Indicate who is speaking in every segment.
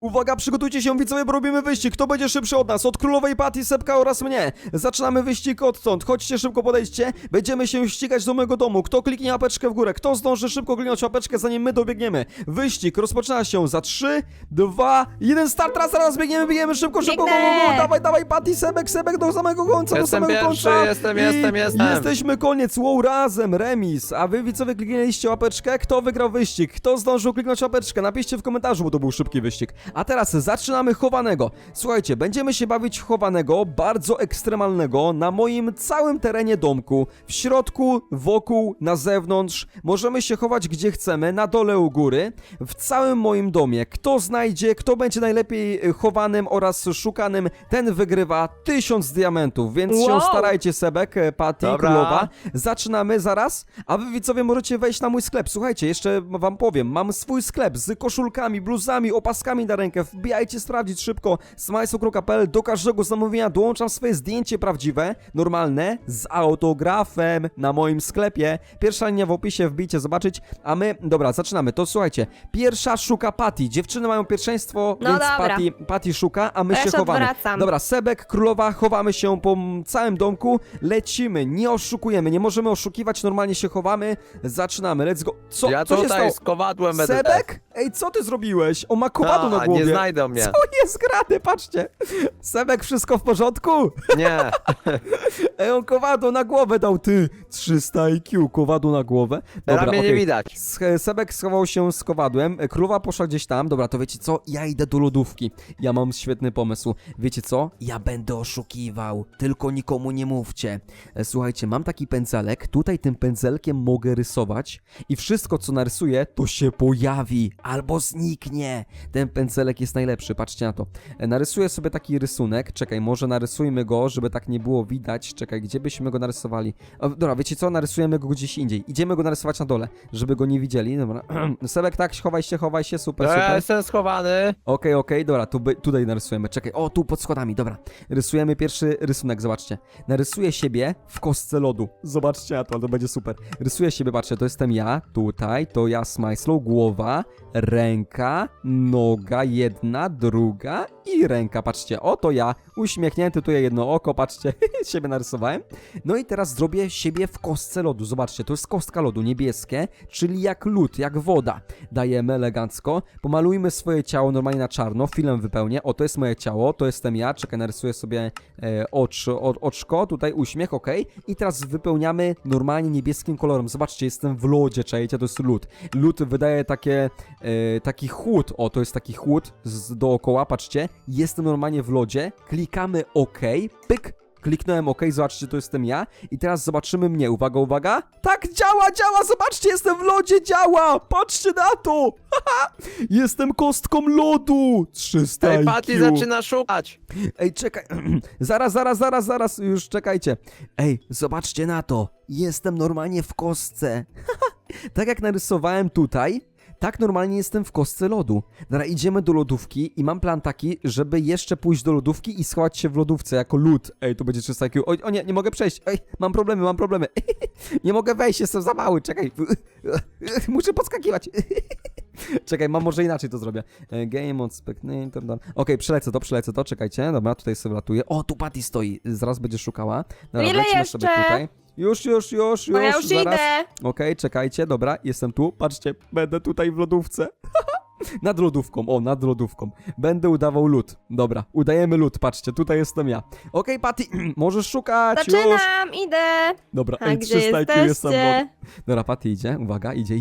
Speaker 1: Uwaga, przygotujcie się widzowie, bo robimy wyścig. Kto będzie szybszy od nas? Od królowej Patty, Sepka oraz mnie. Zaczynamy wyścig odtąd. Chodźcie, szybko podejdźcie. Będziemy się ścigać do mojego domu. Kto kliknie łapeczkę w górę? Kto zdąży szybko kliknąć łapeczkę, zanim my dobiegniemy? Wyścig rozpoczyna się za 3, 2, 1, start. Teraz biegniemy szybko, szybko. Go, go, go. Dawaj, Patty, Sebek do samego końca, do samego końca.
Speaker 2: Jestem.
Speaker 1: Jesteśmy, koniec. Wow, razem, remis. A wy widzowie kliknęliście łapeczkę? Kto wygrał wyścig? Kto zdążył kliknąć łapeczkę? Napiszcie w komentarzu, bo to był szybki wyścig. A teraz zaczynamy chowanego. Słuchajcie, będziemy się bawić w chowanego, bardzo ekstremalnego, na moim całym terenie domku. W środku, wokół, na zewnątrz. Możemy się chować gdzie chcemy, na dole u góry. W całym moim domie. Kto znajdzie, kto będzie najlepiej chowanym oraz szukanym, ten wygrywa 1000 diamentów. Więc się starajcie, Sebek, Patty, Królowa. Zaczynamy zaraz, a wy widzowie możecie wejść na mój sklep. Słuchajcie, jeszcze wam powiem, mam swój sklep z koszulkami, bluzami, opaskami na rękę. Wbijajcie sprawdzić szybko smajsokro.pl. Do każdego zamówienia dołączam swoje zdjęcie prawdziwe, normalne, z autografem na moim sklepie. Pierwsza linia w opisie, wbijcie zobaczyć, a my, dobra, zaczynamy. To słuchajcie, pierwsza szuka Patty. Dziewczyny mają pierwszeństwo,
Speaker 3: No
Speaker 1: więc
Speaker 3: dobra.
Speaker 1: Patty szuka, a my
Speaker 3: Ja
Speaker 1: się
Speaker 3: się
Speaker 1: chowamy.
Speaker 3: odwracam.
Speaker 1: Dobra, Sebek, Królowa, chowamy się po całym domku, lecimy, nie oszukujemy, nie możemy oszukiwać, normalnie się chowamy, zaczynamy, let's go. Co?
Speaker 2: Ja
Speaker 1: Co się stało?
Speaker 2: tutaj z kowadłem będę.
Speaker 1: Sebek? Ej, co ty zrobiłeś? On ma kowadło na głowie.
Speaker 2: Nie znajdą mnie.
Speaker 1: Co jest grane? Patrzcie. Sebek, wszystko w porządku?
Speaker 2: Nie.
Speaker 1: Ej, on kowadło na głowę dał, ty. 300 IQ, kowadło na głowę.
Speaker 2: Teraz mnie nie
Speaker 1: okej.
Speaker 2: widać.
Speaker 1: Sebek schował się z kowadłem, królowa poszła gdzieś tam. Dobra, to wiecie co? Ja idę do lodówki. Ja mam świetny pomysł. Wiecie co? Ja będę oszukiwał. Tylko nikomu nie mówcie. Słuchajcie, mam taki pędzelek. Tutaj tym pędzelkiem mogę rysować i wszystko, co narysuję, to się pojawi albo zniknie. Ten pędzelek jest najlepszy, patrzcie na to. Narysuję sobie taki rysunek. Czekaj, może narysujmy go, żeby tak nie było widać. Czekaj, gdzie byśmy go narysowali? O, dobra, wiecie co? Narysujemy go gdzieś indziej. Idziemy go narysować na dole, żeby go nie widzieli. Dobra. Sebek, tak, chowaj się, super,
Speaker 2: Ja
Speaker 1: super.
Speaker 2: jestem schowany.
Speaker 1: Okej, dobra, tutaj narysujemy. Czekaj, o, tu pod schodami, dobra. Rysujemy pierwszy rysunek, zobaczcie. Narysuję siebie w kostce lodu. Zobaczcie na to, to będzie super. Rysuję siebie, patrzcie, to jestem ja, tutaj, to ja, Smajslow, głowa, ręka, noga, jedna, druga i ręka, patrzcie, oto ja, uśmiechnięty, tu jedno oko, patrzcie, siebie narysowałem. No i teraz zrobię siebie w kostce lodu, zobaczcie, to jest kostka lodu, niebieskie, czyli jak lód, jak woda. Dajemy elegancko, pomalujmy swoje ciało normalnie na czarno, filem wypełnię, o, to jest moje ciało, to jestem ja, czekaj, narysuję sobie oczko, tutaj uśmiech, okej. I teraz wypełniamy normalnie niebieskim kolorem, zobaczcie, jestem w lodzie, czajcie, to jest lód. Lód wydaje taki chłód, o, to jest taki chłód dookoła, patrzcie, jestem normalnie w lodzie, klikamy OK, pyk, kliknąłem OK, zobaczcie, to jestem ja i teraz zobaczymy mnie, uwaga, tak, działa, zobaczcie, jestem w lodzie, działa, patrzcie na to, jestem kostką lodu, 300
Speaker 2: Ej,
Speaker 1: IQ.
Speaker 2: Patty zaczyna szukać.
Speaker 1: Ej, czekaj, zaraz, już czekajcie. Ej, zobaczcie na to, jestem normalnie w kostce. Tak jak narysowałem tutaj, tak normalnie jestem w kostce lodu. Dobra, idziemy do lodówki i mam plan taki, żeby jeszcze pójść do lodówki i schować się w lodówce jako lód. Ej, tu będzie 300 IQ. O nie mogę przejść. Ej, mam problemy. Nie mogę wejść, jestem za mały, czekaj. Muszę podskakiwać. Czekaj, może inaczej to zrobię. Game on spectator. Okej, przelecę to, czekajcie. Dobra, tutaj sobie latuję. O, tu Patty stoi. Zaraz będzie szukała. Dobra,
Speaker 3: Ile
Speaker 1: lecimy
Speaker 3: jeszcze?
Speaker 1: sobie tutaj. Już,
Speaker 3: Bo ja już
Speaker 1: zaraz.
Speaker 3: idę.
Speaker 1: Okej, czekajcie, dobra, jestem tu. Patrzcie, będę tutaj w lodówce. Nad lodówką. Będę udawał lód. Dobra, udajemy lód, patrzcie, tutaj jestem ja. Okej, Patty, możesz szukać, już.
Speaker 3: Zaczynam, idę.
Speaker 1: Dobra,
Speaker 3: A gdzie
Speaker 1: 300 IQ jestem.
Speaker 3: jesteście?
Speaker 1: Dobra, Patty idzie, uwaga, idzie.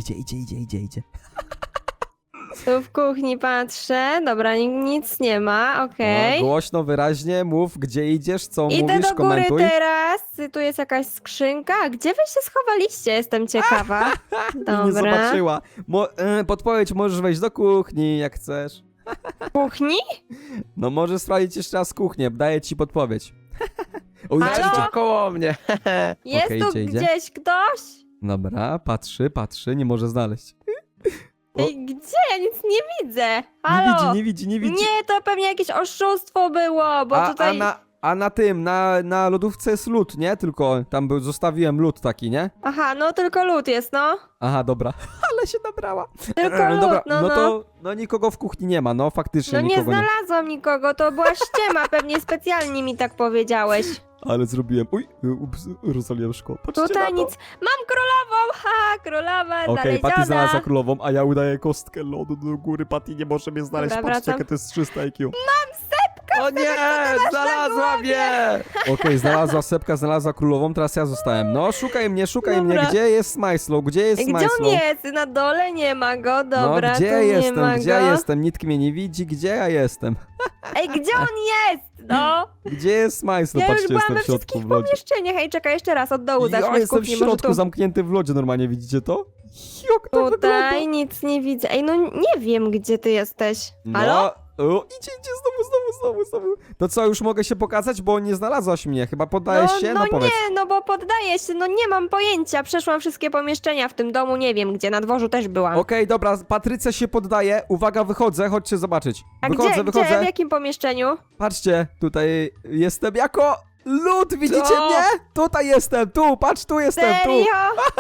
Speaker 3: Tu w kuchni patrzę. Dobra, nic nie ma, okej.
Speaker 1: No, głośno, wyraźnie mów, gdzie idziesz, co
Speaker 3: Idę
Speaker 1: mówisz,
Speaker 3: do góry
Speaker 1: komentuj.
Speaker 3: teraz. Tu jest jakaś skrzynka. A gdzie wy się schowaliście? Jestem ciekawa.
Speaker 1: I nie
Speaker 3: Dobra.
Speaker 1: zobaczyła. Podpowiedź, możesz wejść do kuchni, jak chcesz.
Speaker 3: W kuchni?
Speaker 1: No możesz sprawdzić jeszcze raz kuchnię, daję ci podpowiedź. O,
Speaker 3: Halo?
Speaker 1: idzie.
Speaker 2: Chodźcie koło mnie.
Speaker 3: Jest
Speaker 1: Okej,
Speaker 3: tu
Speaker 1: idzie.
Speaker 3: gdzieś ktoś?
Speaker 1: Dobra, patrzy, nie może znaleźć. O.
Speaker 3: Ej, gdzie? Ja nic nie widzę. Halo?
Speaker 1: Nie widzi.
Speaker 3: Nie, to pewnie jakieś oszustwo było, bo tutaj...
Speaker 1: A na tym, na lodówce jest lód, nie? Tylko tam zostawiłem lód taki, nie?
Speaker 3: Aha, no tylko lód jest, no.
Speaker 1: Aha, dobra. Ale się nabrała.
Speaker 3: Tylko lód,
Speaker 1: Dobra,
Speaker 3: no.
Speaker 1: to no nikogo w kuchni nie ma, no faktycznie
Speaker 3: No nie
Speaker 1: nikogo nie ma.
Speaker 3: znalazłam nikogo, to była ściema, pewnie specjalnie mi tak powiedziałeś.
Speaker 1: Ale zrobiłem. Uj, ups, rozwaliłem szkło. Patrzcie
Speaker 3: Tutaj
Speaker 1: na to.
Speaker 3: nic. Mam królową, ha, królowa
Speaker 1: Okej, Patty znalazła
Speaker 3: znaleziona.
Speaker 1: królową, a ja udaję kostkę lodu do góry. Patty nie może mnie znaleźć.
Speaker 3: Dobra,
Speaker 1: Patrzcie,
Speaker 3: wracam.
Speaker 1: jakie to jest 300 IQ.
Speaker 2: O nie, znalazła mnie!
Speaker 1: Okej, znalazła Sepka, znalazła królową, teraz ja zostałem. No, szukaj mnie,
Speaker 3: Dobra.
Speaker 1: Gdzie jest Smajslow? Gdzie jest
Speaker 3: Gdzie
Speaker 1: Smajslow?
Speaker 3: on jest? Na dole nie ma go, dobra,
Speaker 1: no,
Speaker 3: tu
Speaker 1: gdzie
Speaker 3: nie
Speaker 1: jestem?
Speaker 3: ma
Speaker 1: Gdzie
Speaker 3: go.
Speaker 1: ja jestem? Nikt mnie nie widzi, gdzie ja jestem?
Speaker 3: Ej, gdzie on jest? No.
Speaker 1: Gdzie jest Smajslow?
Speaker 3: Ja już
Speaker 1: Patrzcie,
Speaker 3: byłam
Speaker 1: jestem
Speaker 3: we
Speaker 1: w środku
Speaker 3: wszystkich
Speaker 1: w lodzie.
Speaker 3: pomieszczeniach. Ej, czekaj, jeszcze raz od dołu
Speaker 1: Ja
Speaker 3: zacznę z
Speaker 1: jestem w
Speaker 3: kuchni, może
Speaker 1: środku,
Speaker 3: tu.
Speaker 1: zamknięty w lodzie normalnie, widzicie to? Jak to wygląda?
Speaker 3: Tutaj nic nie widzę. Ej, no nie wiem, gdzie ty jesteś. Halo?
Speaker 1: No, o, idzie, znowu. To co, już mogę się pokazać, bo nie znalazłaś mnie, chyba poddajesz się?
Speaker 3: No
Speaker 1: powiedz.
Speaker 3: nie, no bo poddaję się, no nie mam pojęcia. Przeszłam wszystkie pomieszczenia w tym domu, nie wiem gdzie, na dworzu też byłam.
Speaker 1: Okej, dobra, Patrycja się poddaje, uwaga, wychodzę, chodźcie zobaczyć.
Speaker 3: A
Speaker 1: Wychodzę.
Speaker 3: gdzie, w jakim pomieszczeniu?
Speaker 1: Patrzcie, tutaj jestem jako lód, widzicie
Speaker 2: Co?
Speaker 1: mnie? Tutaj jestem, patrz, tu jestem, tu.
Speaker 3: Serio?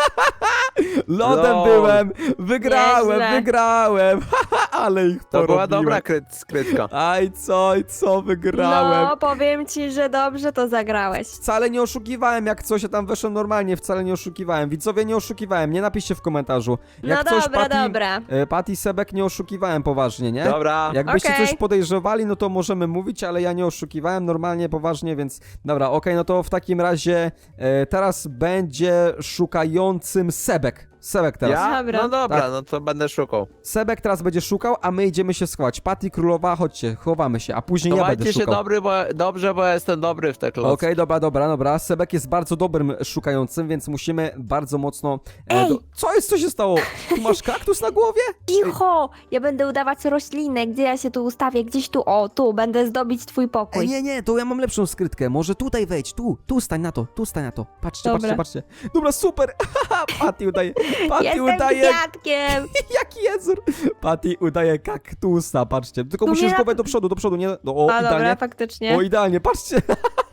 Speaker 1: Lodem
Speaker 2: Lol.
Speaker 1: byłem, wygrałem,
Speaker 3: Nieźle.
Speaker 1: ale ich
Speaker 2: To
Speaker 1: porobiłem.
Speaker 2: była dobra skrytka.
Speaker 1: Aj, co, wygrałem.
Speaker 3: No, powiem ci, że dobrze to zagrałeś.
Speaker 1: Wcale nie oszukiwałem, jak coś, ja tam weszłem normalnie, wcale nie oszukiwałem. Widzowie, nie oszukiwałem, nie napiszcie w komentarzu. Jak
Speaker 3: No
Speaker 1: coś,
Speaker 3: dobra,
Speaker 1: Patty,
Speaker 3: dobra.
Speaker 1: Patty Sebek nie oszukiwałem poważnie, nie?
Speaker 2: Dobra.
Speaker 1: Jakbyście
Speaker 3: Okej.
Speaker 1: coś podejrzewali, no to możemy mówić, ale ja nie oszukiwałem normalnie, poważnie, więc dobra, okej, no to w takim razie teraz będzie szukającym Sebek. Sebek teraz.
Speaker 2: Ja?
Speaker 3: Dobra.
Speaker 2: No dobra,
Speaker 1: Tak.
Speaker 2: no to będę szukał.
Speaker 1: Sebek teraz będzie szukał, a my idziemy się schować. Patty Królowa, chodźcie, chowamy się, a później ja będę
Speaker 2: Chowajcie się
Speaker 1: szukał.
Speaker 2: dobrze, bo ja jestem dobry w te klocki.
Speaker 1: Okej, dobra. Sebek jest bardzo dobrym szukającym, więc musimy bardzo mocno...
Speaker 3: Ej!
Speaker 1: Co się stało? Tu masz kaktus na głowie?
Speaker 3: Cicho! Ja będę udawać roślinę, gdzie ja się tu ustawię, gdzieś tu, o, tu, będę zdobić twój pokój.
Speaker 1: Nie, to ja mam lepszą skrytkę. Może tutaj wejdź, tu stań na to. Patrzcie. Dobra, super. Patty udaje.
Speaker 3: Jestem kwiatkiem!
Speaker 1: Jaki jezur. Patty udaje kaktusa, patrzcie. Tylko
Speaker 3: Tu
Speaker 1: musisz
Speaker 3: mnie
Speaker 1: głowę do przodu, nie? No, o,
Speaker 3: A dobra,
Speaker 1: idealnie.
Speaker 3: faktycznie.
Speaker 1: O, idealnie, patrzcie.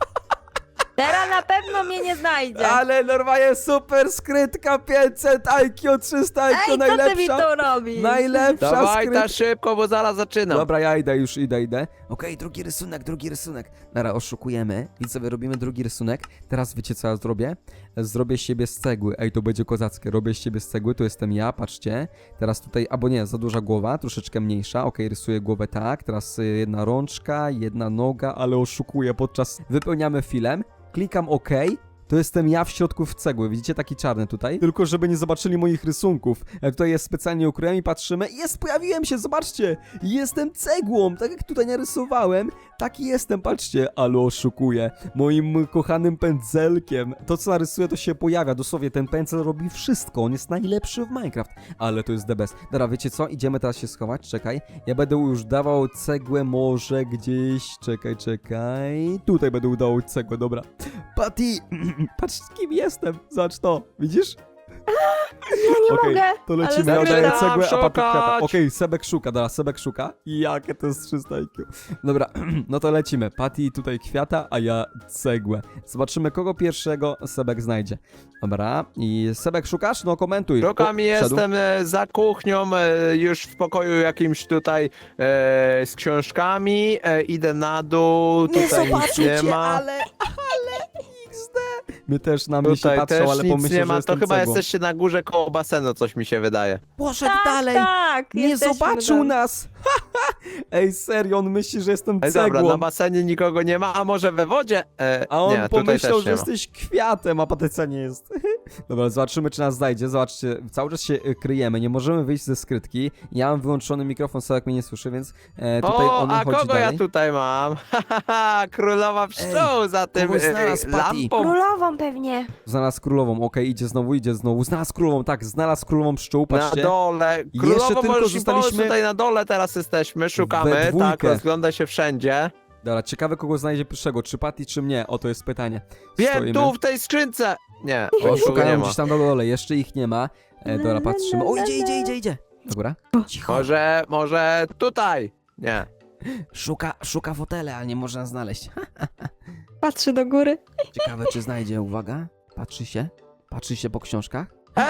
Speaker 3: Teraz na pewno mnie nie znajdzie.
Speaker 1: Ale normalnie super skrytka, 500 IQ, 300 IQ,
Speaker 3: Ej, co
Speaker 1: najlepsza.
Speaker 3: ty mi tu robisz?
Speaker 1: Najlepsza
Speaker 2: Dawaj
Speaker 1: skrytka.
Speaker 2: ta szybko, bo zaraz zaczynam.
Speaker 1: Dobra, ja idę. Okej, drugi rysunek. Dobra, oszukujemy. I sobie robimy drugi rysunek. Teraz wiecie co ja zrobię? Zrobię siebie z cegły. Ej, to będzie kozackie. Robię siebie z cegły, to jestem ja, patrzcie. Teraz tutaj, albo nie, za duża głowa, troszeczkę mniejsza. Okej, rysuję głowę tak. Teraz jedna rączka, jedna noga, ale oszukuję podczas... Wypełniamy filem. Klikam OK. To jestem ja w środku w cegły, widzicie, taki czarny tutaj. Tylko żeby nie zobaczyli moich rysunków. Tutaj jest specjalnie ukryłem i patrzymy. Pojawiłem się, zobaczcie! Jestem cegłą, tak jak tutaj narysowałem. Taki jestem, patrzcie, ale oszukuję. Moim kochanym pędzelkiem. To co narysuję, to się pojawia. Dosłownie ten pędzel robi wszystko. On jest najlepszy w Minecraft. Ale to jest the best. Dobra, wiecie co? Idziemy teraz się schować, czekaj. Ja będę już dawał cegłę może gdzieś. Czekaj. Tutaj będę udawał cegłę, dobra. Patty, patrz kim jestem. Zobacz to, widzisz?
Speaker 3: Ja nie
Speaker 1: Okej,
Speaker 3: mogę.
Speaker 1: to lecimy,
Speaker 3: ale
Speaker 1: ja daję
Speaker 2: zaczynam
Speaker 1: cegłę, a Patty kwiata.
Speaker 2: szukać.
Speaker 1: Okej, Sebek szuka, dobra, Sebek szuka. Jakie to jest 300 IQ. Dobra, no to lecimy. Patty tutaj kwiata, a ja cegłę. Zobaczymy, kogo pierwszego Sebek znajdzie. Dobra, i Sebek szukasz? No komentuj.
Speaker 2: Szukam i
Speaker 1: O, wszedł.
Speaker 2: jestem za kuchnią, już w pokoju jakimś tutaj z książkami. Idę na dół, tutaj nic nie ma.
Speaker 1: ale XD. My też na mnie się
Speaker 2: Tutaj
Speaker 1: patrzą,
Speaker 2: też
Speaker 1: ale
Speaker 2: nic
Speaker 1: pomyślą,
Speaker 2: nie
Speaker 1: że
Speaker 2: ma. To
Speaker 1: jestem
Speaker 2: chyba
Speaker 1: cegłą.
Speaker 2: jesteście na górze koło basenu, coś mi się wydaje.
Speaker 1: Poszedł
Speaker 3: Tak,
Speaker 1: dalej.
Speaker 3: tak.
Speaker 1: Nie
Speaker 3: jesteśmy
Speaker 1: zobaczył
Speaker 3: tam.
Speaker 1: nas! Ej, serio, on myśli, że jestem
Speaker 2: Ej,
Speaker 1: cegłą.
Speaker 2: dobra, na basenie nikogo nie ma, a może we wodzie?
Speaker 1: A on
Speaker 2: nie, tutaj
Speaker 1: pomyślał,
Speaker 2: też
Speaker 1: że
Speaker 2: nie ma.
Speaker 1: jesteś kwiatem, a Patrycja nie jest. Dobra, zobaczymy, czy nas znajdzie. Zobaczcie, cały czas się kryjemy, nie możemy wyjść ze skrytki. Ja mam wyłączony mikrofon, Sławek mnie nie słyszy, więc tutaj
Speaker 2: O,
Speaker 1: on
Speaker 2: a
Speaker 1: chodzi
Speaker 2: kogo
Speaker 1: dalej.
Speaker 2: ja tutaj mam? Królowa pszczół za tym
Speaker 1: kogoś znalazł, Patty.
Speaker 2: lampą.
Speaker 3: Królową pewnie.
Speaker 1: Znalazł królową, okej, idzie znowu. Znalazł królową, tak, znalazł królową pszczół,
Speaker 2: Na
Speaker 1: patrzcie.
Speaker 2: dole.
Speaker 1: Jeszcze
Speaker 2: Królowo
Speaker 1: tylko
Speaker 2: możesz mi pomóc,
Speaker 1: zostaliśmy
Speaker 2: tutaj na dole teraz jesteśmy,
Speaker 1: we
Speaker 2: szukamy,
Speaker 1: dwójkę.
Speaker 2: tak, rozgląda się wszędzie.
Speaker 1: Dobra, ciekawe kogo znajdzie pierwszego, czy Patty, czy mnie? O, to jest pytanie.
Speaker 2: Wiem,
Speaker 1: Stoimy.
Speaker 2: tu w tej skrzynce! Nie,
Speaker 1: O,
Speaker 2: nikogo nie
Speaker 1: szukają
Speaker 2: ma.
Speaker 1: gdzieś tam na dole, jeszcze ich nie ma. Dobra, patrzymy. O, idzie. Dobra. Cicho.
Speaker 2: Może tutaj? Nie.
Speaker 1: Szuka fotele, ale nie można znaleźć.
Speaker 3: patrzy do góry.
Speaker 1: Ciekawe, czy znajdzie, uwaga. Patrzy się po książkach.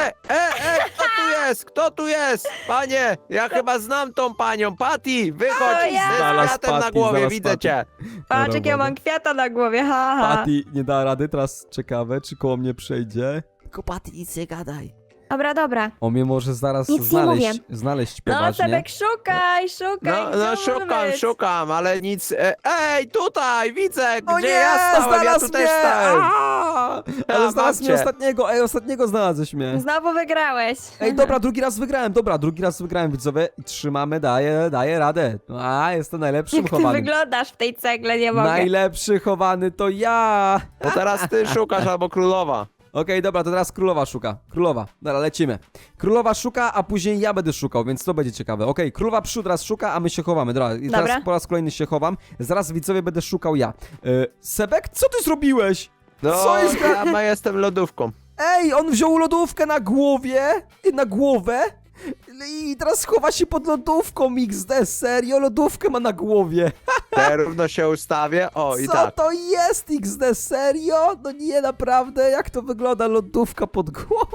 Speaker 2: Kto tu jest? Kto tu jest? Panie, ja chyba znam tą panią. Patty, wychodź
Speaker 3: O, ja.
Speaker 2: z
Speaker 1: Znalazł
Speaker 2: kwiatem na
Speaker 1: Patty,
Speaker 2: głowie,
Speaker 1: znalazł
Speaker 2: widzę
Speaker 1: Patty.
Speaker 2: cię.
Speaker 3: Patrz, jak ja mam kwiata na głowie, haha.
Speaker 1: Patty nie da rady, teraz ciekawe, czy koło mnie przejdzie. Tylko Patty, nic nie gadaj.
Speaker 3: Dobra.
Speaker 1: On mnie może zaraz
Speaker 3: Nic nie mówię.
Speaker 1: znaleźć
Speaker 3: No,
Speaker 1: poważnie.
Speaker 3: Sebek, szukaj,
Speaker 2: No,
Speaker 3: gdzie on może być?
Speaker 2: szukam, ale nic. Ej, tutaj, widzę,
Speaker 1: O
Speaker 2: gdzie
Speaker 1: nie,
Speaker 2: ja stałem, ja
Speaker 1: znalazł
Speaker 2: tu
Speaker 1: mnie!
Speaker 2: też stałem.
Speaker 1: Ale znalazł mnie
Speaker 2: babcie.
Speaker 1: ostatniego, ostatniego znalazłeś mnie.
Speaker 3: Znowu wygrałeś.
Speaker 1: Ej, dobra, drugi raz wygrałem, widzowie. I trzymamy, daję radę. Jestem najlepszym
Speaker 3: Jak ty
Speaker 1: chowanym.
Speaker 3: wyglądasz w tej cegle, nie mogę.
Speaker 1: Najlepszy chowany to ja!
Speaker 2: To teraz ty szukasz albo królowa.
Speaker 1: Okej, dobra, to teraz królowa szuka. Królowa, dobra, lecimy. Królowa szuka, a później ja będę szukał, więc to będzie ciekawe. Okej, królowa przód teraz szuka, a my się chowamy. Dobra, i teraz
Speaker 3: Dobra.
Speaker 1: po raz kolejny się chowam. Zaraz, widzowie, będę szukał ja. Sebek, co ty zrobiłeś?
Speaker 2: No,
Speaker 1: Co jest
Speaker 2: ja jestem lodówką.
Speaker 1: Ej, on wziął lodówkę na głowie, na głowę i teraz chowa się pod lodówką XD, serio? Lodówkę ma na głowie.
Speaker 2: Ja równo się ustawię. O, i
Speaker 1: Co
Speaker 2: tak.
Speaker 1: to jest XD, serio? No nie, naprawdę, jak to wygląda lodówka pod głową?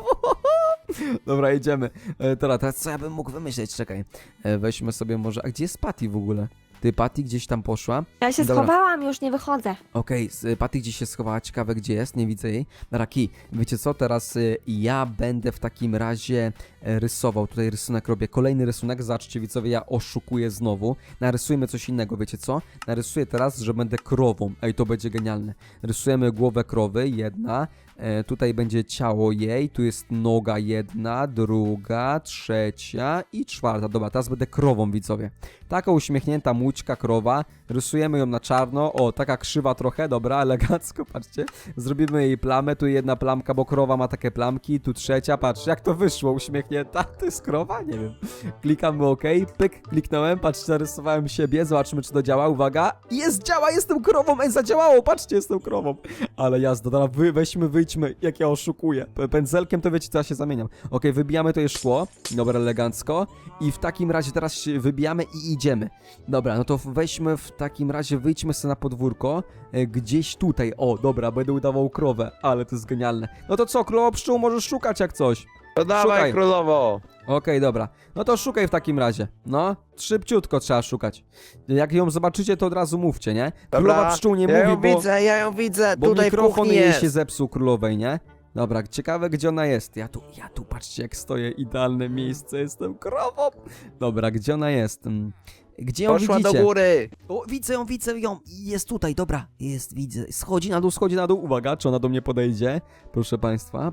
Speaker 1: Dobra, jedziemy. Teraz co ja bym mógł wymyśleć? Czekaj, weźmy sobie może, a gdzie jest Patty w ogóle? Ty, Patty gdzieś tam poszła?
Speaker 3: Ja się
Speaker 1: Dobra.
Speaker 3: schowałam, już nie wychodzę.
Speaker 1: Okej, Patty gdzieś się schowała, ciekawe gdzie jest, nie widzę jej. Raki, wiecie co, teraz ja będę w takim razie rysował, tutaj rysunek robię, kolejny rysunek, zobaczcie widzowie, ja oszukuję znowu. Narysujmy coś innego, wiecie co? Narysuję teraz, że będę krową, ej, to będzie genialne. Rysujemy głowę krowy, jedna, tutaj będzie ciało jej, tu jest noga jedna, druga, trzecia i czwarta. Dobra, teraz będę krową, widzowie. Taka uśmiechnięta łódźka krowa, rysujemy ją na czarno, o, taka krzywa trochę, dobra, elegancko, patrzcie. Zrobimy jej plamę, tu jedna plamka, bo krowa ma takie plamki, tu trzecia, patrzcie, jak to wyszło, uśmiechnięta, to jest krowa? Nie wiem. Klikamy OK, pyk, kliknąłem, patrzcie, narysowałem siebie, zobaczymy, czy to działa, uwaga, działa, jestem krową, zadziałało, patrzcie, jestem krową. Ale jazda, dobra, wyjdźmy, jak ja oszukuję. Pędzelkiem to wiecie, co ja się zamieniam. OK, wybijamy to je szkło, dobra, elegancko i w takim razie teraz się wybijamy i idziemy. Dobra, no to weźmy w takim razie, wyjdźmy sobie na podwórko, gdzieś tutaj, o, dobra, będę udawał krowę, ale to jest genialne. No to co, królowo pszczół, możesz szukać jak coś.
Speaker 2: To dawaj,
Speaker 1: Szukaj.
Speaker 2: królowo.
Speaker 1: Okej, dobra. No to szukaj w takim razie. No, szybciutko trzeba szukać. Jak ją zobaczycie, to od razu mówcie, nie? Królowa pszczół nie
Speaker 2: ja
Speaker 1: mówi,
Speaker 2: ją widzę, ja ją widzę.
Speaker 1: bo
Speaker 2: Tutaj w
Speaker 1: mikrofon
Speaker 2: kuchni
Speaker 1: jej
Speaker 2: jest.
Speaker 1: się zepsuł królowej, nie? Dobra, ciekawe gdzie ona jest. Ja tu, patrzcie jak stoję, idealne miejsce, jestem krową. Dobra, gdzie ona jest? Gdzie ją
Speaker 2: Poszła
Speaker 1: widzicie?
Speaker 2: do góry.
Speaker 1: O, widzę ją. Jest tutaj, dobra. Widzę. Schodzi na dół. Uwaga, czy ona do mnie podejdzie? Proszę państwa.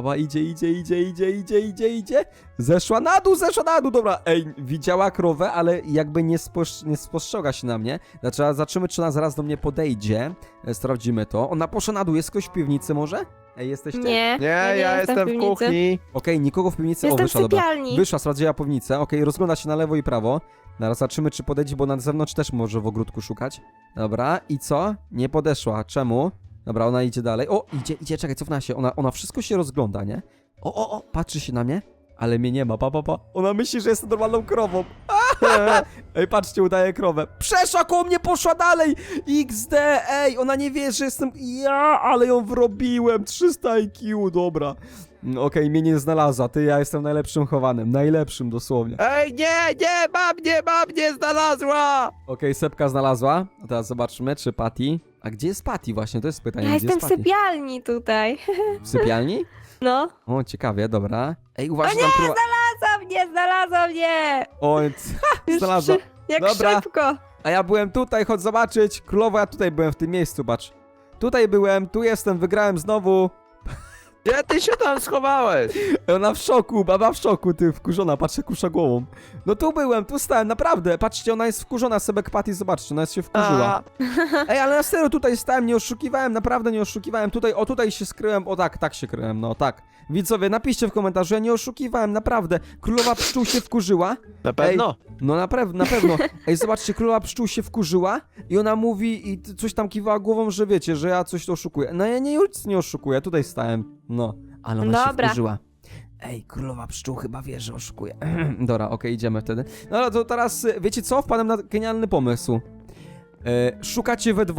Speaker 1: Idzie. Zeszła na dół, dobra. Ej, widziała krowę, ale jakby nie spostrzega się na mnie. Zobaczymy, czy ona zaraz do mnie podejdzie. Sprawdzimy to. Ona poszła na dół. Jest ktoś w piwnicy może? Ej, jesteście?
Speaker 3: Nie,
Speaker 2: Nie, ja jestem w
Speaker 3: piwnicy.
Speaker 2: kuchni.
Speaker 1: Okej, nikogo w piwnicy.
Speaker 3: Jestem w
Speaker 1: Wyszła, dobra.
Speaker 3: sypialni.
Speaker 1: Wyszła, sprawdziła piwnicę. Okej, rozgląda się na lewo i prawo. Zaraz zobaczymy, czy podejdzie, bo na zewnątrz też może w ogródku szukać. Dobra, i co? Nie podeszła. Czemu? Dobra, ona idzie dalej. O, idzie, czekaj, cofnęła się. Ona wszystko się rozgląda, nie? O, patrzy się na mnie, ale mnie nie ma, pa. Ona myśli, że jestem normalną krową. Ej, patrzcie, udaje krowę. Przeszła koło mnie, poszła dalej. XD, ej, ona nie wie, że jestem ja, ale ją wrobiłem. 300 IQ, dobra. Okej, mnie nie znalazła, ja jestem najlepszym chowanym, najlepszym dosłownie.
Speaker 2: Ej, nie, mam mnie znalazła.
Speaker 1: Okej, Sepka znalazła, a teraz zobaczmy, czy Patty... A gdzie jest Patty właśnie, to jest pytanie,
Speaker 3: Ja
Speaker 1: gdzie
Speaker 3: jestem
Speaker 1: jest
Speaker 3: w
Speaker 1: Patty?
Speaker 3: sypialni tutaj.
Speaker 1: W sypialni?
Speaker 3: No.
Speaker 1: O, ciekawie, dobra. Ej, uważaj,
Speaker 3: O
Speaker 1: tam
Speaker 3: nie, znalazła mnie!
Speaker 1: O,
Speaker 3: Już
Speaker 1: znalazła.
Speaker 3: Jak
Speaker 1: Dobra.
Speaker 3: szybko.
Speaker 1: A ja byłem tutaj, chodź zobaczyć. Królowo, ja tutaj byłem w tym miejscu, patrz. Tutaj byłem, tu jestem, wygrałem znowu.
Speaker 2: Gdzie ty się tam schowałeś?
Speaker 1: Ona w szoku, baba w szoku, ty wkurzona, patrzę kusza głową. No tu byłem, tu stałem, naprawdę, patrzcie, ona jest wkurzona, Sebek Patty, zobaczcie, ona jest się wkurzyła. Ej, ale na serio tutaj stałem, nie oszukiwałem, naprawdę nie oszukiwałem, tutaj się skryłem, o tak się kryłem, no tak. Widzowie, napiszcie w komentarzu, ja nie oszukiwałem, naprawdę. Królowa pszczół się wkurzyła.
Speaker 2: Na pewno.
Speaker 1: No na pewno. Ej, zobaczcie, królowa pszczół się wkurzyła i ona mówi i coś tam kiwała głową, że wiecie, że ja coś to oszukuję. No ja nic nie oszukuję, tutaj stałem, no. Ale ona się
Speaker 3: Dobra.
Speaker 1: wkurzyła. Ej, królowa pszczół chyba wie, że oszukuje. Dobra, okej, idziemy wtedy. No ale to teraz, wiecie co? Wpadłem na genialny pomysł. Szukacie we dwoje.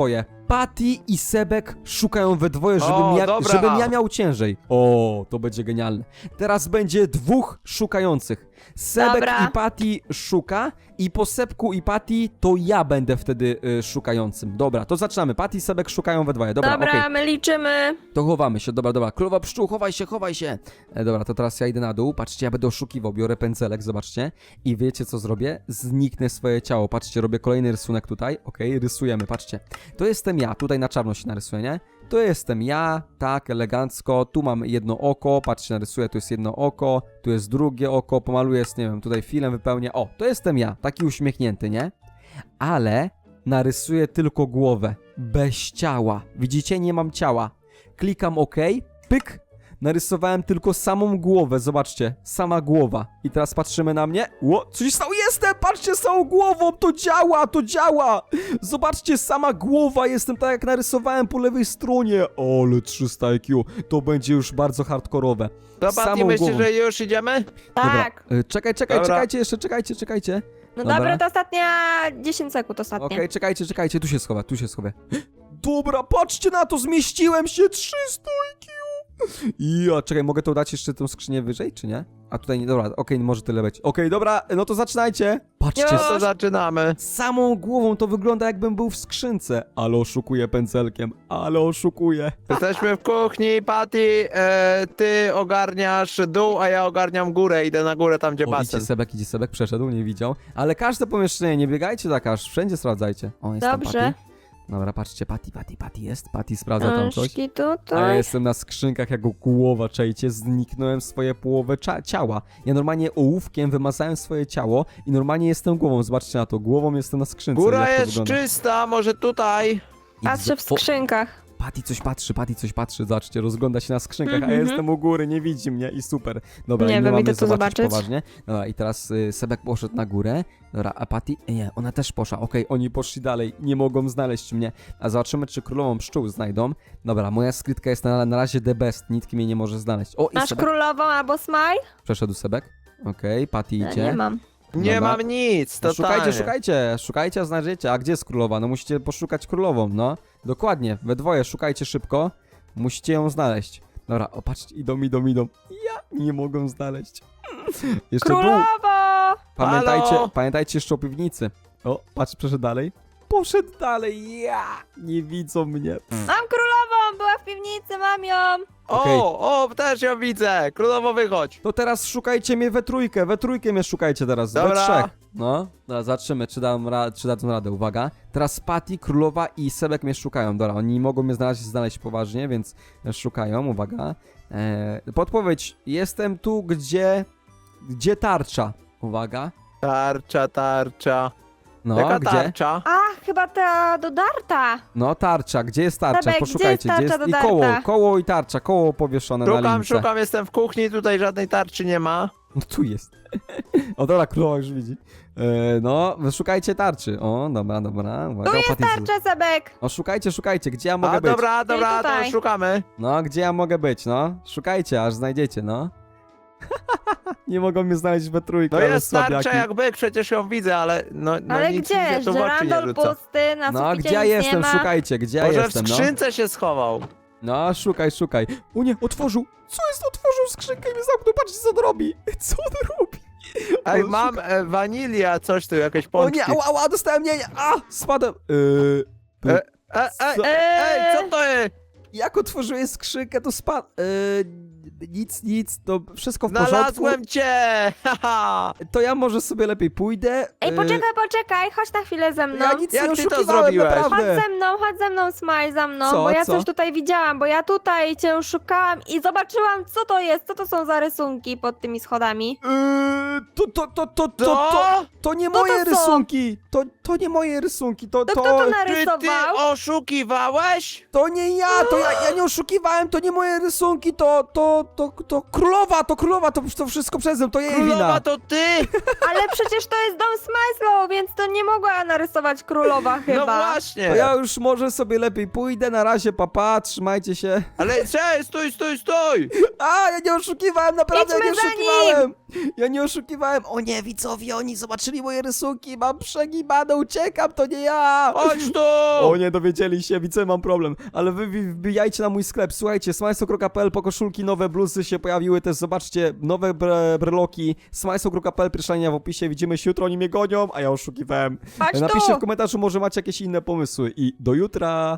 Speaker 1: Patty i Sebek szukają we dwoje,
Speaker 2: O, dobra.
Speaker 1: żebym ja miał ciężej. O, to będzie genialne. Teraz będzie dwóch szukających. Sebek
Speaker 3: Dobra.
Speaker 1: i Patty szuka i po Sebku i Patty to ja będę wtedy szukającym. Dobra, to zaczynamy. Patty i Sebek szukają we dwoje. Dobra,
Speaker 3: Dobra,
Speaker 1: okej.
Speaker 3: my liczymy.
Speaker 1: To chowamy się, dobra. Królowa pszczół, chowaj się, chowaj się. Dobra, to teraz ja idę na dół. Patrzcie, ja będę oszukiwał, biorę pędzelek, zobaczcie. I wiecie co zrobię? Zniknę swoje ciało. Patrzcie, robię kolejny rysunek tutaj. Okej, rysujemy, patrzcie. To jestem ja, tutaj na czarno się narysuję, nie? To jestem ja, tak, elegancko. Tu mam jedno oko, patrzcie, narysuję, tu jest jedno oko, tu jest drugie oko, pomaluję, nie wiem, tutaj filem wypełnię. O, to jestem ja, taki uśmiechnięty, nie? Ale narysuję tylko głowę, bez ciała. Widzicie, nie mam ciała. Klikam OK, pyk, narysowałem tylko samą głowę, zobaczcie, sama głowa. I teraz patrzymy na mnie. Ło, coś stało, jestem, patrzcie, z całą głową, to działa, to działa. Zobaczcie, sama głowa, jestem tak jak narysowałem po lewej stronie. Ale 300 IQ, to będzie już bardzo hardkorowe.
Speaker 2: To
Speaker 1: Samą
Speaker 2: Patty, myślisz,
Speaker 1: głową.
Speaker 2: że już idziemy?
Speaker 3: Tak.
Speaker 1: Dobra, czekajcie,
Speaker 2: Dobra.
Speaker 1: jeszcze, czekajcie.
Speaker 3: No
Speaker 1: Dobra.
Speaker 3: dobra, to ostatnia 10 sekund ostatnie.
Speaker 1: Okej, czekajcie, tu się schowę. Dobra, patrzcie na to, zmieściłem się, 300 IQ. Ja, czekaj, mogę to dać jeszcze tą skrzynię wyżej, czy nie? A tutaj nie, dobra, okej, może tyle być. Okej, dobra, no to zaczynajcie. Patrzcie,
Speaker 3: Już.
Speaker 2: No to zaczynamy.
Speaker 1: samą głową to wygląda jakbym był w skrzynce. Ale oszukuję pędzelkiem, ale oszukuję.
Speaker 2: Jesteśmy w kuchni, Patty, ty ogarniasz dół, a ja ogarniam górę. Idę na górę, tam gdzie
Speaker 1: O,
Speaker 2: basen.
Speaker 1: idzie Sebek, przeszedł, nie widział. Ale każde pomieszczenie, nie biegajcie tak aż, wszędzie sprawdzajcie. O, jest tam
Speaker 3: Dobrze.
Speaker 1: Patty. Dobra, patrzcie, Patty jest, Patty sprawdza tam coś.
Speaker 3: Książki
Speaker 1: A ja
Speaker 3: tutaj.
Speaker 1: jestem na skrzynkach jako głowa, czajcie, zniknąłem swoje połowę ciała. Ja normalnie ołówkiem wymazałem swoje ciało i normalnie jestem głową, zobaczcie na to, głową jestem na skrzynce.
Speaker 2: Góra
Speaker 1: jak to
Speaker 2: jest
Speaker 1: wygląda.
Speaker 2: czysta, może tutaj.
Speaker 3: Patrzę w
Speaker 1: O,
Speaker 3: skrzynkach.
Speaker 1: Patty coś patrzy, zobaczcie, rozgląda się na skrzynkach, a ja
Speaker 3: Mhm.
Speaker 1: jestem u góry, nie widzi mnie i super. Dobra,
Speaker 3: Nie
Speaker 1: i my
Speaker 3: wiem,
Speaker 1: mamy
Speaker 3: idę to zobaczyć.
Speaker 1: poważnie. Dobra, i teraz Sebek poszedł na górę, dobra, a Patty, nie, ona też poszła, okej, oni poszli dalej, nie mogą znaleźć mnie, a zobaczymy, czy królową pszczół znajdą. Dobra, moja skrytka jest na razie the best, nikt mnie nie może znaleźć. O, i
Speaker 3: Masz
Speaker 1: Sebek,
Speaker 3: królową albo smile?
Speaker 1: przeszedł Sebek, okej, Patty
Speaker 3: Ja
Speaker 1: idzie.
Speaker 3: nie mam.
Speaker 2: Nie
Speaker 1: Dobra.
Speaker 2: mam nic,
Speaker 1: No
Speaker 2: totalnie.
Speaker 1: szukajcie, a znajdziecie. A gdzie jest królowa? No musicie poszukać królową, no. Dokładnie, we dwoje szukajcie szybko. Musicie ją znaleźć. Dobra, o patrzcie, idą. Ja nie mogę znaleźć. Jeszcze dół.
Speaker 3: Królowo!
Speaker 2: Halo?
Speaker 1: Pamiętajcie jeszcze o piwnicy. O, patrz, przeszedł dalej. Poszedł dalej, nie widzą mnie.
Speaker 3: Mam królową! Była w piwnicy, mam ją!
Speaker 1: Okej.
Speaker 2: O, też ją widzę. Królowo, wychodź.
Speaker 1: To teraz szukajcie mnie we trójkę mnie szukajcie teraz, we
Speaker 2: Dobra.
Speaker 1: trzech. No, dobra, zobaczymy, czy dadzą radę, uwaga. Teraz Patty, Królowa i Sebek mnie szukają, dobra, oni mogą mnie znaleźć poważnie, więc szukają, uwaga. Podpowiedź, jestem tu, gdzie tarcza, uwaga.
Speaker 2: Tarcza.
Speaker 1: No,
Speaker 2: Jaka
Speaker 1: gdzie?
Speaker 2: tarcza?
Speaker 3: A, chyba ta dodarta.
Speaker 1: No, tarcza, gdzie jest tarcza?
Speaker 3: Sebek,
Speaker 1: Poszukajcie,
Speaker 3: gdzie jest tarcza
Speaker 1: i
Speaker 3: dodarta?
Speaker 1: koło i tarcza, koło powieszone na lince.
Speaker 2: Szukam, jestem w kuchni, tutaj żadnej tarczy nie ma.
Speaker 1: No tu jest. O dobra, królowa już widzi. No, szukajcie tarczy. O, dobra, uwaga.
Speaker 3: Tu jest
Speaker 1: Patty-
Speaker 3: tarcza, Sebek!
Speaker 1: O, szukajcie, gdzie ja mogę
Speaker 2: A,
Speaker 1: być.
Speaker 2: dobra, to
Speaker 3: tutaj.
Speaker 2: szukamy.
Speaker 1: No, gdzie ja mogę być, no? Szukajcie, aż znajdziecie, no. Nie mogą mnie znaleźć we trójkę,
Speaker 2: No
Speaker 1: ale
Speaker 2: jest
Speaker 1: słabiaki.
Speaker 2: tarcza jak byk, przecież ją widzę, ale no
Speaker 3: Ale
Speaker 2: nic
Speaker 3: gdzie?
Speaker 2: widzę, to w oczy nie
Speaker 3: Żerandol
Speaker 2: rzuca.
Speaker 3: pusty, na
Speaker 1: No,
Speaker 3: suficie
Speaker 1: gdzie ja
Speaker 3: nic
Speaker 1: jestem?
Speaker 3: nie ma.
Speaker 1: Szukajcie, gdzie ja
Speaker 2: Może
Speaker 1: jestem,
Speaker 2: w
Speaker 1: no.
Speaker 2: skrzynce się schował.
Speaker 1: No, szukaj. O nie, otworzył. Co jest? Otworzył skrzynkę i mnie zamknął. Patrzcie, co on robi. Co on robi?
Speaker 2: Ej,
Speaker 1: On
Speaker 2: mam wanilia, coś tu, jakieś
Speaker 1: O
Speaker 2: pączki.
Speaker 1: nie, ała, dostałem, nie, spadłem. Co?
Speaker 2: Ej, co to jest?
Speaker 1: Jak otworzyłem skrzynkę, to spadł. Nic, to wszystko w porządku.
Speaker 2: Znalazłem cię! Haha!
Speaker 1: To ja może sobie lepiej pójdę.
Speaker 3: Ej, poczekaj, chodź na chwilę ze mną.
Speaker 1: Ja nic
Speaker 2: Jak
Speaker 1: nie
Speaker 2: ty to
Speaker 1: oszukiwałem,
Speaker 2: zrobiłeś?
Speaker 1: naprawdę.
Speaker 3: Chodź ze mną, Smile, za mną,
Speaker 1: Co,
Speaker 3: bo ja
Speaker 1: co?
Speaker 3: coś tutaj widziałam, bo ja tutaj cię szukałam i zobaczyłam, co to jest, co to są za rysunki pod tymi schodami.
Speaker 1: To nie
Speaker 3: Co
Speaker 1: moje
Speaker 3: to są?
Speaker 1: rysunki. To nie moje rysunki.
Speaker 3: To kto to
Speaker 2: Czy ty
Speaker 3: narysował?
Speaker 2: oszukiwałeś?
Speaker 1: To nie ja, to ja ja nie oszukiwałem, to nie moje rysunki, to królowa, to wszystko przeze mnie, to jej
Speaker 2: Królowa
Speaker 1: wina.
Speaker 2: to ty!
Speaker 3: Ale przecież to jest dom Smajslow, więc to nie mogła narysować królowa chyba.
Speaker 2: No właśnie!
Speaker 1: To ja już może sobie lepiej pójdę, na razie, papa, trzymajcie się.
Speaker 2: Ale cześć, stój!
Speaker 1: A, ja nie oszukiwałem, naprawdę ja nie
Speaker 3: Idźmy za
Speaker 1: oszukiwałem. Ja nie oszukiwałem. O nie, widzowie, oni zobaczyli moje rysunki, mam przegibane, uciekam, to nie ja.
Speaker 2: Chodź tu!
Speaker 1: O nie, dowiedzieli się, widzę, mam problem. Ale wy wbijajcie na mój sklep, słuchajcie, smajso.pl, po koszulki, nowe bluzy się pojawiły też, zobaczcie, nowe breloki, smajso.pl, pierwsza linia w opisie, widzimy się jutro, oni mnie gonią, a ja oszukiwałem.
Speaker 3: Chodź tu.
Speaker 1: Napiszcie w komentarzu, może macie jakieś inne pomysły i do jutra.